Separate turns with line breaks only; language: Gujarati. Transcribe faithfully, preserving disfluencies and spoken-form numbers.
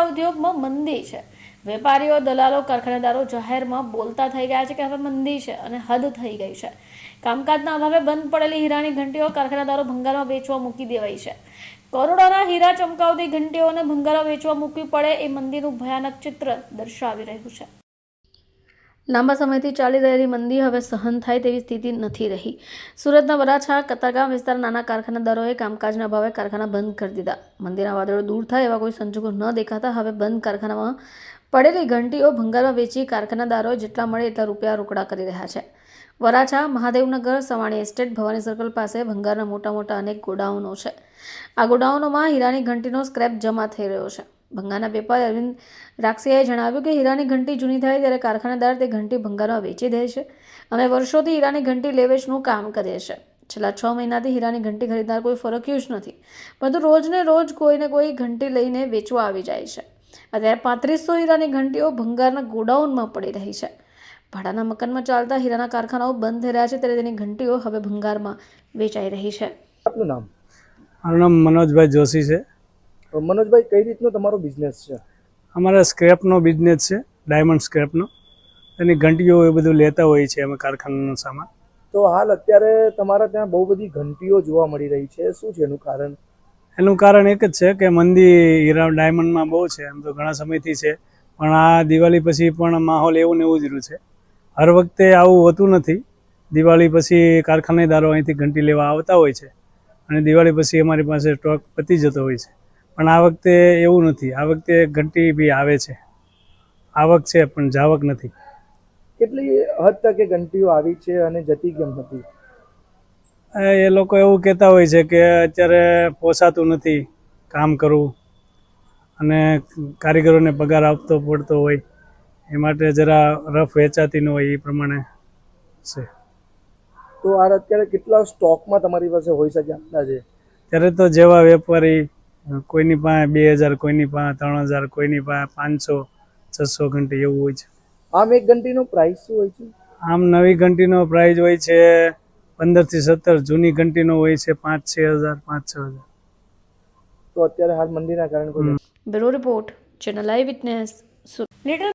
હીરા ઉદ્યોગમાં મંદી છે। વેપારીઓ, દલાલો, કારખાનેદારો જાહેરમાં બોલતા થઈ ગયા છે કે હવે મંદી છે અને હદ થઈ ગઈ છે। કામકાજના અભાવે બંધ પડેલી હીરાની ઘંટીઓ કારખાનેદારો ભંગારમાં વેચવા મૂકી દેવાઈ છે। કરોડોના હીરા ચમકાવતી ઘંટીઓને ભંગારમાં વેચવા મૂકવી પડે એ મંદીનું ભયાનક ચિત્ર દર્શાવી રહ્યું છે। લાંબા સમયથી ચાલી રહેલી મંદી હવે સહન થાય તેવી સ્થિતિ નથી રહી। સુરતના વરાછા કતારગામ વિસ્તારના નાના કારખાનેદારોએ કામકાજના અભાવે કારખાના બંધ કરી દીધા। મંદીના વાદળો દૂર થાય એવા કોઈ સંજોગો ન દેખાતા હવે બંધ કારખાનામાં પડેલી ઘંટીઓ ભંગારમાં વેચી કારખાનેદારો જેટલા મળે એટલા રૂપિયા રોકડા કરી રહ્યા છે। વરાછા, મહાદેવનગર, સવાણી એસ્ટેટ, ભવાની સર્કલ પાસે ભંગારના મોટા મોટા અનેક ગોડાઉનો છે। આ ગોડાઉનોમાં હીરાની ઘંટીનો સ્ક્રેપ જમા થઈ રહ્યો છે। ભંગારના વેપારી અરવિંદ રાક્ષિયાએ જણાવ્યું કે હીરાની ઘંટી જૂની થાય ત્યારે કારખાનેદાર તે ઘંટી ભંગારમાં વેચી દે છે। અમે વર્ષોથી હીરાની ઘંટી લેવેચનું કામ કરીએ છીએ। છેલ્લા છ મહિનાથી હીરાની ઘંટી ખરીદનાર કોઈ ફરક્યું જ નથી, પરંતુ રોજને રોજ કોઈને કોઈ ઘંટી લઈને વેચવા આવી જાય છે। અત્યારે પાંત્રીસો હીરાની ઘંટીઓ ભંગારના ગોડાઉનમાં પડી રહી છે। ભાડાના મકાનમાં ચાલતા હીરાના કારખાનાઓ બંધ થઈ રહ્યા છે ત્યારે તેની ઘંટીઓ હવે ભંગારમાં વેચાઈ રહી છે।
આપનું નામ?
મારું નામ મનોજભાઈ જોશી છે।
મનોજભાઈ, કઈ રીતનો તમારો બિઝનેસ છે?
અમારા સ્ક્રેપનો બિઝનેસ છે, ડાયમંડ સ્ક્રેપનો। એની ઘંટીઓ એ બધું લેતા હોઈએ છીએ અમે કારખાનાનો સામાન।
તો હાલ અત્યારે તમારા ત્યાં બહુ બધી ઘંટીઓ જોવા મળી રહી છે, શું છે એનું કારણ?
એનું કારણ એક જ છે કે મંદી હીરા ડાયમંડમાં બહુ છે, એમ તો ઘણા સમયથી છે, પણ આ દિવાળી પછી પણ માહોલ એવું ને એવું જ રહ્યું છે। હર વખતે આવું હોતું નથી। દિવાળી પછી કારખાનેદારો અહીંથી ઘંટી લેવા આવતા હોય છે અને દિવાળી પછી અમારી પાસે સ્ટોક પતી જતો હોય છે, પણ આ વખતે એવું નથી। આ વખતે ઘંટી બી આવે છે, આવક છે પણ જાવક નથી।
કેટલી હદ તકે ઘંટીઓ આવી છે અને જતી કેમ હતી?
એ લોકો એવું કહેતા હોય છે કે અત્યારે પોસાતું નથી કામ કરવું અને કારીગરોને પગાર આપતો પડતો હોય, એ માટે જરા રફ વેચાતી ન હોય એ પ્રમાણે છે।
તો આ અત્યારે કેટલા સ્ટોકમાં તમારી પાસે હોઈ શકે અંદાજે?
ત્યારે તો જેવા વેપારી, કોઈની પાસે બે હજાર, કોઈની પાસે ત્રણ હજાર, કોઈની પાસે પાંચસો છસો ઘંટી એવું હોય છે।
આમ એક ઘંટીનો પ્રાઇસ શું હોય છે?
આમ નવી ઘંટીનો પ્રાઇસ હોય છે પંદર થી સત્તર, જૂની ઘંટીનો હોય છે પાંચ છ હજાર, પાંચ છ હજાર।
તો અત્યારે હાલ મંદીના કારણે કોઈ
bureau report, channel eye witness, Surat.